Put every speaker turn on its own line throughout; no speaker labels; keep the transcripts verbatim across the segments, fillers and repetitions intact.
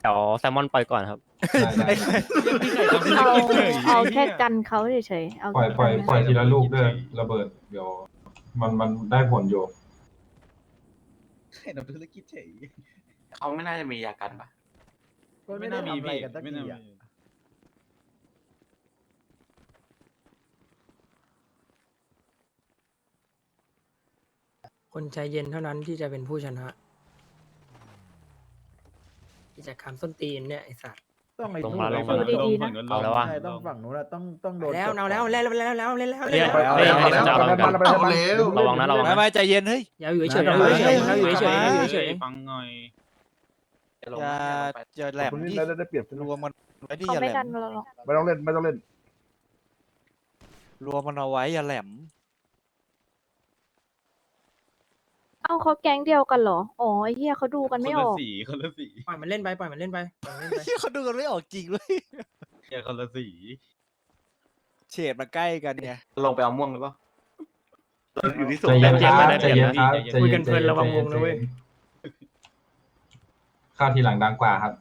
วแซลมอนปล่อยก่อนครับ
ได้ได้
เอาเอาแค่กันเขาเฉยๆเอา
ปล่อย
แค่
ปล่อย
กัน
ปล่อยทีละลูกเด้อระเบิดเดี๋ยวมันมันได้ผลอยู่
เห็นธุรกิจเฉย
เขาไม่น่าจะมียากันปะ
ก็ไม่ได้ทำอะไรกันสักทีอ่ะ
คนใจเย็นเท่านั้นที่จะเป็นผู้ชนะกิจกรรมส้นตีนเนี่ยไอสัตว์
ต้องไอ้
ลง
นู่น
มาลง
ไอ้
มา
นู่น
ดีๆนะ
เอาแล้ววะ
ใช่ต้องฝั่งนู้นอะต้องต้องโดน
แล้วเอาแล้วเล่นแล้วแล้วเล่นแล้ว
เรียก
แล้ว
เรียกให้จะเอา
เอา
กัน
แล้วเอาแล้ว
ระวังนะระวัง
ไม่
นะ
ไม่ใจเย็นเฮ้ย
อย่าอยู่เฉยๆอย่าอยู่เฉยๆอย่าอยู่เฉยๆอย่าอยู่เฉย
ฟังหน่อย
จะลง
อย่า
นะ
อย่าแหลม
คนนี้
ที่
ได้ได้เปรียบ
รวมมันไว้ที่
เขา
อย่า
ไม่
แหล
ดัน
ม
เราหรอก
ไม่ต้องเล่นไม่ต้องเล่น
รวมมันเอาไว้อย่าแหลม
เอ้าเขาแก๊งเดียวกันเหรออ๋อไอ้เหี้ยเขาดูกันไม่ออก
สีคนละสี
ๆปล่อยมันเล่นไปปล่อยมันเล่นไปปล่อยมันเล่นไป
ที่เขาดูกันไม่ออกจริงเลย
เฮียคนละสี
เฉดมันใกล้กันไง
ลงไปเอาม่วงหรือเปล่าเราอยู่ที่สุด
ใจเย็นครับ
ได้
ใจ
เปรียบ
เย็นครับใจ
คุย
เย็
กัน นเพลินระวังวงนะเว้ย
ข้าวทีหลังดังกว่าครับ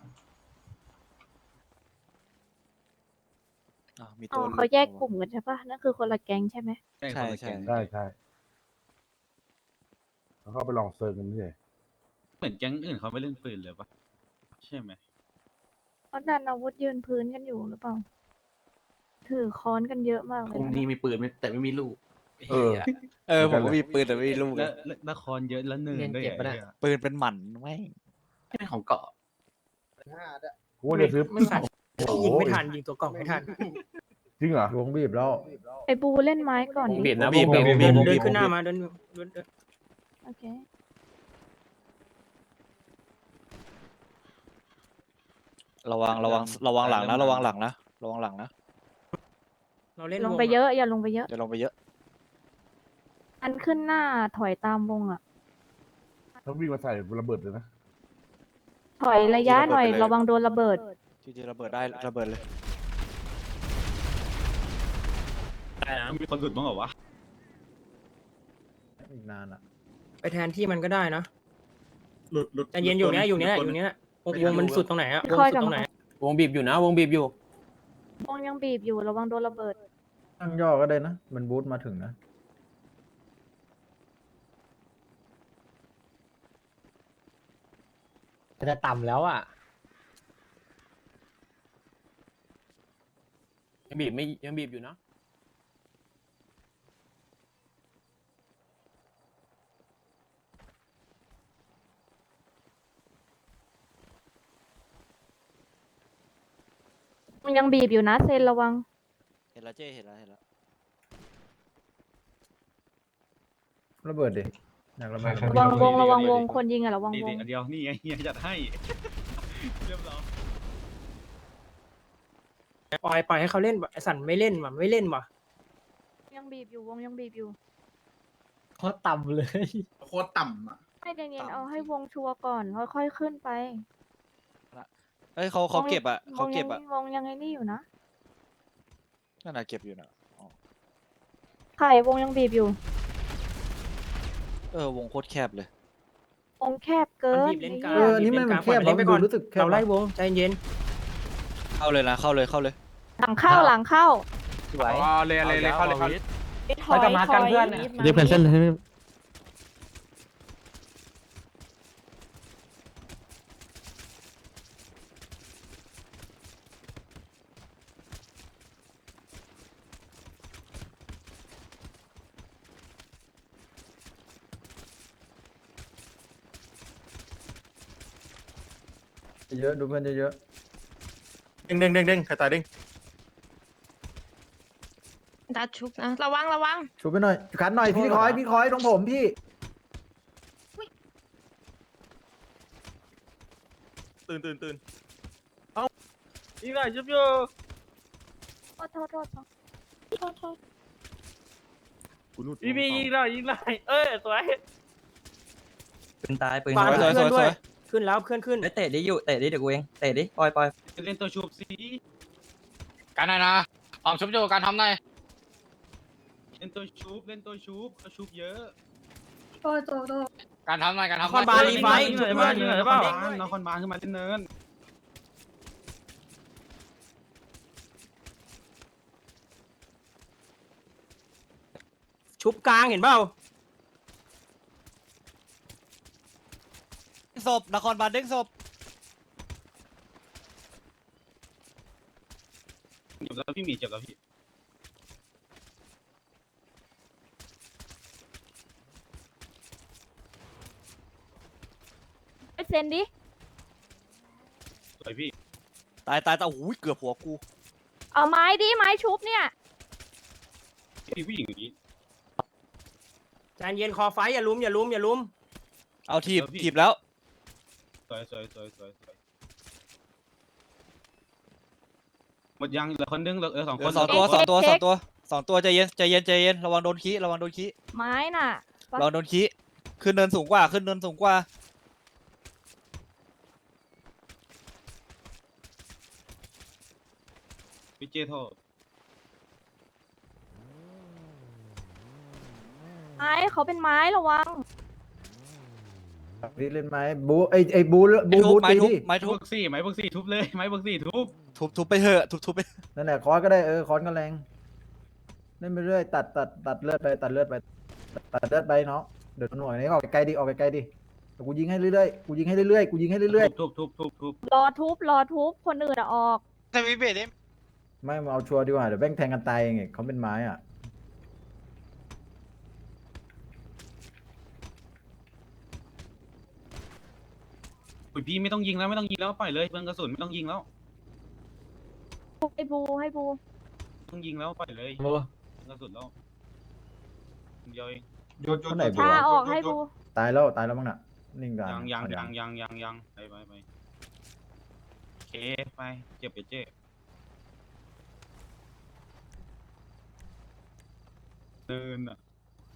อ่ะมี
อ๋
ตั
อ
ว
เขาแยกกลุ่มกันใช่ปะนั่นคือคนละแก๊งใช่ไหม
ใช่ใช่
ใช่ใช่เขาเข้าไปลองเซิร์ฟกันนี่
เหมือนแก๊งอื่นเขาไม่เล่นปืนเลยปะใช่ไหม
เขาดันอาวุธยืนพื้นกันอยู่หรือเปล่าถือค้อนกันเยอะมากเล
ก
ย
ลุ่ม
นะ
นี้มีปืนแต่ไม่มีลูก
เออ
เออผมก็มีปืนแต่ไม่มีลูกเล
แล้
ยว
ละครเยอะแล้วเนินด้วย
เก็บปะเนี่ย
ปืนเป็นหมันไม่ง
ไม่เป็นของเกาะ
กูว่าจะซื้อ
ไม่ทันยิงไม่ทันยิงตัวกล่องไม่ทัน
จริงเหรอวงบีบแล้ว
ไอ้บูเล่นไม้ก่อนดิ
บีบนะ
บีบ
บีบ
บีบ
เดิน
บีบ
เดิ
บี
น
บ
ขึ้นหน้ามาเดินเดินเดิน
โอเค
ระวังระวังระวังหลังนะระวังหลังนะระวังหลังนะ
เราเล่น
ลงไปเยอะอย่าลงไปเยอะ
อย่าลงไปเยอะ
อันขึ้นหน้าถอยตามวงอ่ะ
ต้องวิ่งมาใส่ระเบิดเลยนะ
ถอยระยะหน่อยระวังโดนระเบิด
จริงๆระเบิดได้ระเบิดเลย
ได้นะ
มีคนหลุดบ้างเหรอวะ
อีกนานอ่ะ
ไปแทนที่มันก็ได้นะ
หลุดหลุด
แต่เย็นอยู่เนี้ยอยู่เนี้ยอยู่เนี้ยวงวงมันสุดตรงไหนอะวง
ค่อย
สุด
กลับ
ตรงไหน
มา
วงบีบอยู่นะวงบีบอยู่
วงยังบีบอยู่ระวังโดนระเบิด
ตั้งย่อก็ได้นะ มันบูทมาถึงนะ
จะต่ำแล้วอ่ะยังบีบไม่ยังบีบอยู่นะ
วงยังบีบอยู่นะเซนระวัง
เห็นแล้วเจ้เห็นแล้วเห็นแล้ว
ระเบิดดิอยากระเบิด
ใคร
ระวังวงระวังวงคนยิงอะระวัง
นี่
วง
อันเดียวนี่ไงเฮียจัดให้ เรียบร้อย
ปล่อยปล่อยให้เขาเล่นไอสันไม่เล่นว่ะไม่เล่นว่ะ
ยังบีบอยู่วงยังบีบอยู่
โคตรต่ำเลย
โคตรต่ำอ่ะ
ให้เย็นๆเอาให้วงชัวร์ก่อนค่อยๆขึ้นไป
เฮ้ยเขาเขาเก็บอ่ะเขาเก็บ
วง
อ่ะ
ยังวงยังไงนี่อยู่นะ
นั่นน่ะเก็บอยู่นะอ๋อ
ไข่วงยังบีบอยู่
เออวงโคตรแคบเลย
วงแคบเกิ
มัน
น
บีบเล่นกลาง
เออนี่มันแคบ
เล่นไปก่อน
รู้สึกแคบ
เราไล่วงใจเย็น
เข้าเลยนะเข้าเลยเข้าเลย
หลังเข้าหลังเข้า
สวย
เลยเลยเลยเข้าเลยเข้าเลย
ถอยถอย
เรียกเพนเส้นเลย
เยอะดูเพื่อนเยอะ
ดึงดึงดึงดึงใครตายดึง
ดัดชุบนะระวังระวัง
ๆชูไปหน่อยขันหน่อยพี่คอยพี่คอยตรงผมพี่
ตื่นตื่นตื่นเอ้าอีกหน่อยชุบอยู่
โทษโทษโทษโทษโทษโทษ
อีบีอีกหน่อยอีกหน่อยเอ้ยสวย
ปืนตายปืน
ปา
สวย
เพื่อน
สวย
ด้วย
สวย
ขึ้นแล้วเพื่อนขึ้น
เตะดิอยู่เตะดิเดี๋ยวกูเองเตะดิปล่อยปล่อย
เล่นตัวชุบสี
การไหนนะออมชุบอยู่การทำไหน
เล่นตัวชุบเล่นตัวชุบเขาชุบเยอะ
โตโตโต
การทำไหนการทำ
คอนบารีไฟ
ยิงหน่อย
เพื่
บ้า
อน
ยิงหน่อย
เพื่
บ้า
อน
นครบาลขึ้นมาเล่นเนิน
ชุบกลางเห็นเปล่า
ศพนครบาลเด้งศพ
เจ็บแล้วพี่หมีเจ็บแล้วพี่
ไปเซ็นดิ
สวยพี่
ตายตายตายโอ้ยเกือบหัวกู
เอาไม้ดิไม้ชุบเนี่ย
พี่ผู้หญิงอย่างนี้
ใจเย็นคอไฟอย่าลุมอย่าลุมอย่าลุม
เอาทีบ
เออพี่
ทีบแล้ว
สวยสวยสวยสวยสวยหมดยังเหลือคนนึงเหลือเออสอง
เห
ค
ลือน สองตัว
เช็
สอง
ค
ตัว
เช็
สอ
ค
งตัวสองตัวใจเย็นใจเย็นใจเย็นระวังโดนขี้ระวังโดนขี้
ไม้น่ะ
ระวังโดนขี้ขึ้นเนินสูงกว่าขึ้นเนินสูงกว่า
พี่เจโทษ
ไม้เขาเป็นไม้ระวัง
พี่เล่นไหมบูไอไอบูบู
ไม้ทุ
บู
บไม้
ตี
ทุบ
ดิ
ไม้
ไม้
ทุ
เบิ
บ
กซี่ไม้เบิกซี่ทุบเลยไม้เบิกซี่ทุบ
ทุบทุบไปเถอะทุบทุบไป
นั่นแหละคอนก็ได้เออคอนก็แรงเล่นไปเรื่อยตัดตัดตัดเลือดไปตัดเลือดไปตัดเลือดไปเนาะเดี๋ยวหน่วยนี้ออกไกลๆดิออกไกลๆดิแต่กูยิงให้เรื่อยๆกูยิงให้เรื่อยๆกูยิงให้เรื่อย
ทุบทุบทุบทุบ
รอทุบรอทุบคนอื่นอะออก
ใช่พี่เบสเด้
ๆไม่มาเอาชัวร์ดีกว่าเดี๋ยวแบ่งแทงกันตายเองเขาเป็นไม้อ่ะ
อุ้ยพี่ไม่ต้องยิงแล้วไม่ต้องยิงแล้วปล่อยเลยเบิร์นกระสุนไม่ต้องยิงแล้ว
ให้บูให้บู
ไม่ต้องยิงแล้วปล่อยเลยเบิร์นกระสุนแล้วคนเดียวเอง
โยนโยน
คนไหน
โยน
บู
พา
อะ
ออกให้บู
ตายแล้วตายแล้วมั้งน่ะนิ่งกัน
ยังยัง
เอา
ยังยังยังยังไปไปไปโอเคไปเจ็บเดี๋ยวเจ๊เดินอ่ะ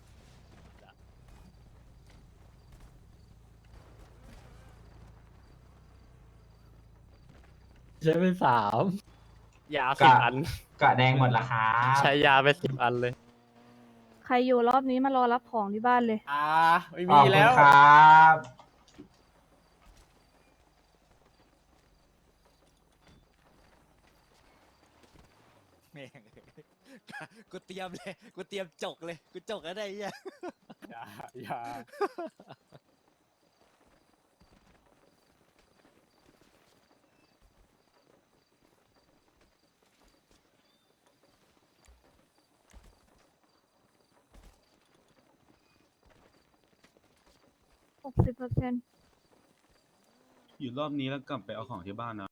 ใช้ไปสาม
ยาสิบอัน
กะแดงหมดละครับ
ใช้ยาไปสิบอันเลย
ใครอยู่รอบนี้มารอรับของที่บ้านเลย
อ่า ไม่
ข
มี
อบคุณ
แล้ว
ครับ
แม่งกูเตรียมเลยกูเตรียมจกเลยกูจกแล้วได้ยัง
ยายา
หกสิบเปอร์เซ็นต์
อยู่รอบนี้แล้วกลับไปเอาของที่บ้านนะ